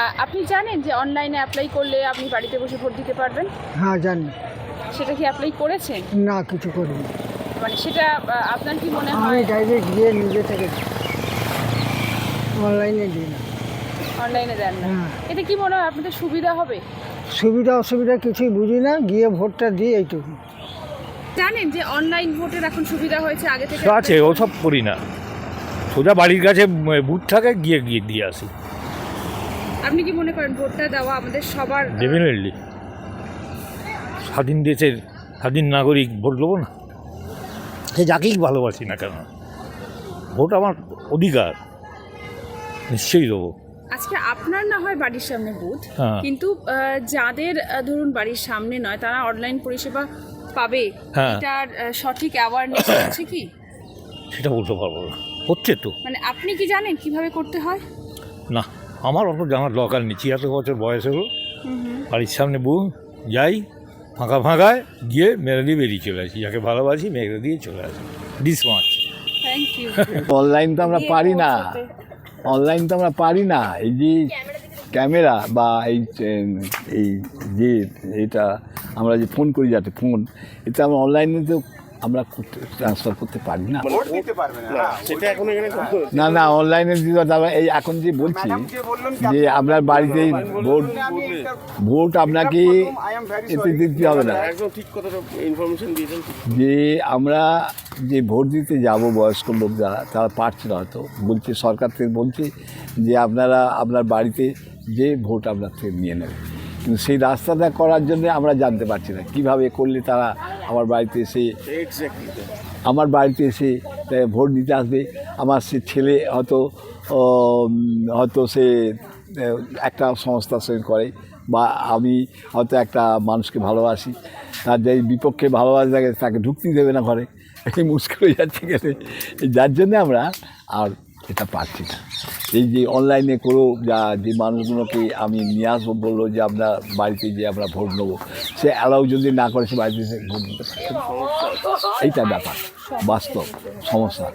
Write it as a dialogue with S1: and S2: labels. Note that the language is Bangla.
S1: আপনি জানেন যে অনলাইনে অ্যাপ্লাই করলে আপনি বাড়িতে বসে ভোট দিতে পারবেন?
S2: হ্যাঁ জানি।
S1: সেটা কি অ্যাপ্লাই করেছেন?
S2: না, কিছু করিনি।
S1: মানে সেটা আপনার কি মনে
S2: আমি
S1: হয়?
S2: ডাইরেক্ট গিয়ে নিজে থেকে অনলাইনে দিই না।
S1: অনলাইনে দেন না?
S2: হ্যাঁ।
S1: এতে কি মনে হয় আপনাদের সুবিধা হবে?
S2: সুবিধা অসুবিধা কিছুই বুঝি না, গিয়ে ভোটটা দিই এইটুকু।
S1: জানেন যে অনলাইন ভোটের এখন সুবিধা হয়েছে আগে থেকে?
S3: আছে, ওসব করি না, সোজা বাড়ির কাছে বুথ থাকে, গিয়ে গিয়ে দিয়ে আসি।
S1: আপনি কি মনে করেন ভোটটা দেওয়া আমাদের সবার?
S3: ডেফিনেটলি, স্বাধীন দেশের স্বাধীন নাগরিক ভোট দেবো না? সে যাকেই ভালোবাসি না কেন, ভোট আমার অধিকার, নিশ্চয়ই দেবো।
S1: আজকে আপনার না হয় বাড়ির সামনে বুথ,
S3: হ্যাঁ।
S1: কিন্তু যাদের ধরুন বাড়ির সামনে নয় তারা অনলাইন পরিষেবা পাবে,
S3: হ্যাঁ।
S1: এটার সঠিক অ্যাওয়ারনেস আছে কি?
S3: সেটা বলতে পারবো না, হচ্ছে তো।
S1: মানে আপনি কি জানেন কিভাবে করতে হয়?
S3: না, আমার অত জানার দরকার নেই, 76 বছর বয়স হলো, বাড়ির সামনে যাই, ফাঁকা ফাঁকায় গিয়ে মেরে দিয়ে বেরিয়ে চলে আসি, যাকে ভালোবাসি মেরে দিয়ে চলে আসি, ডিসমার্চ।
S1: Thank you.
S4: অনলাইন তো আমরা পারি না, অনলাইন তো আমরা পারি না। এই যে ক্যামেরা বা এই যে এটা আমরা যে ফোন করি, যাতে ফোন, এটা আমরা অনলাইনে তো আমরা ট্রান্সফার করতে পারি না। না না, অনলাইনে এই এখন যে বলছি যে আপনার বাড়িতেই ভোট আপনাকে এতে দিতে হবে না, যে আমরা যে ভোট দিতে যাব বয়স্ক লোক যারা, তারা পারছে না হয়তো, বলছে সরকার থেকে বলছে যে আপনারা আপনার বাড়িতে যে ভোট আপনার থেকে নিয়ে নেবে, কিন্তু সেই রাস্তাটা করার জন্য আমরা জানতে পারছি না কীভাবে করলে তারা আমার বাড়িতে এসে ভোট দিতে আসবে। আমার সে ছেলে হয়তো সে একটা সংস্থার সঙ্গে করে, বা আমি হয়তো একটা মানুষকে ভালোবাসি, তার যে বিপক্ষে ভালোবাসা থাকে তাকে ঢুকতে দেবে না ঘরে, এই মুশকিল হয়ে যাচ্ছে গেলে, যার জন্যে আমরা আর এটা পারছি না। এই যে অনলাইনে করেও যে মানুষগুলোকে আমি নিয়ে আসবো, বললো যে আমরা বাড়িতে যে আমরা ভোট নেবো, সে অ্যালাউ যদি না করে সে বাড়িতে ভোট দিতে পারছে না। এইটা ব্যাপার, বাস্তব সমস্যা।